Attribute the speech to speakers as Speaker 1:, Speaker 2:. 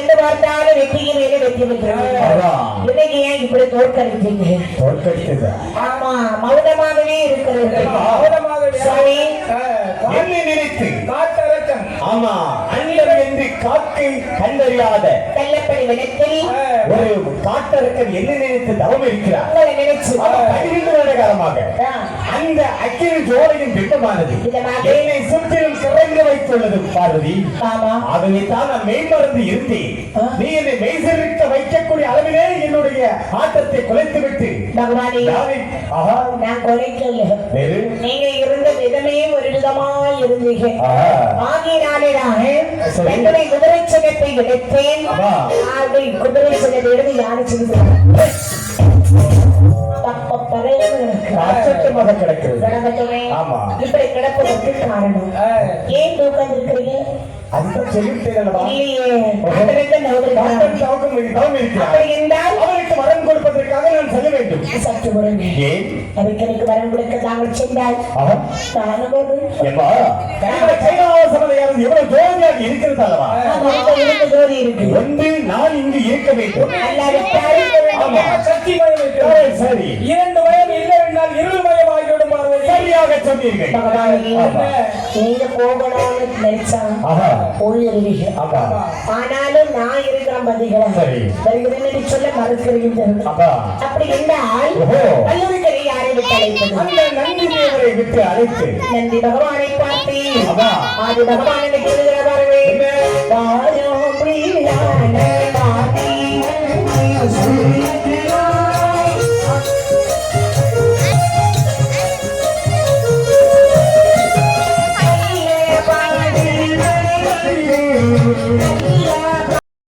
Speaker 1: எங்க பார்த்தாலும் வெற்றிக்கு மேலே வெற்றி பெற்றாங்க. இன்னைக்கு ஏன் இப்படி தோற்கடிச்சீங்க? ஆமா, மௌனமாகவே இருக்கிறது. சாமி
Speaker 2: என்னை நினைத்து காட்டரக்கன் ஆமா அண்டம் என்று காக்கை கண்டறியாத
Speaker 1: கள்ளப்படி விடத்தில்
Speaker 2: ஒரு காட்டரக்கன் என்ன நினைத்து தவம் இருக்கிறார்.
Speaker 1: உங்களை நினைச்சு
Speaker 2: 12 வருட காலமாக அந்த அக்கினி ஜோலையின் பிம்பமானது என்னை சுற்றிலும் சிறந்து வைத்துள்ளது பார்வதி.
Speaker 1: ஆமா,
Speaker 2: ஆகவே தான் நான் மெய்மறந்து இருந்தேன். நீ என்னை மெய்சிருக்க வைக்கக்கூடிய அளவிலே என்னுடைய ஆட்டத்தை குலைத்து விட்டு
Speaker 1: பகவானே நான் குறைக்கல. நீங்க இருந்த விதமே ஒரு விதமா இருந்தீங்க. ஆகினாலேதான் என்னுடைய குதிரை சின்னத்தை எடுத்தேன். குதிரை சின்னத்தை எடுத்து யாரு செஞ்சாங்க இப்படி கிடப்பதற்கு காரணம் ஏன் தூக்கம் இருக்கிறீங்க?
Speaker 2: அவருக்கு வரம் கொடுப்பதற்காக நான் செல்ல வேண்டும்.
Speaker 1: சற்று அதுக்கு எனக்கு வரம் கொடுக்க தாங்கள் சென்றால்
Speaker 2: எவ்வளவு ஜோதியாக இருக்கிறது அல்லவா?
Speaker 1: ஜோதி இருக்கு.
Speaker 2: ஒன்று நான் இங்கு இருக்க வேண்டும். சரி,
Speaker 3: 2 வயம் இல்லை என்றால் 2 வயம் ஆகிவிடும்.
Speaker 2: சரியாக சொன்னீர்கள்.
Speaker 1: நீங்க போகணும்னு நினைச்சா போயிருவீங்க. ஆனாலும் நான் இருக்கிறேன் பதிகளா வருகிறேன் சொல்ல மறுக்கிறீர்கள். அப்படி என்றால் வல்லவர்களை யாரை விட்டு அழைப்பது?
Speaker 2: அந்த நந்தி தேவரை விட்டு அழைத்து
Speaker 1: நந்தி பகவானை பார்த்து ஆதி பகவானை சொல்லுகிற பாருங்க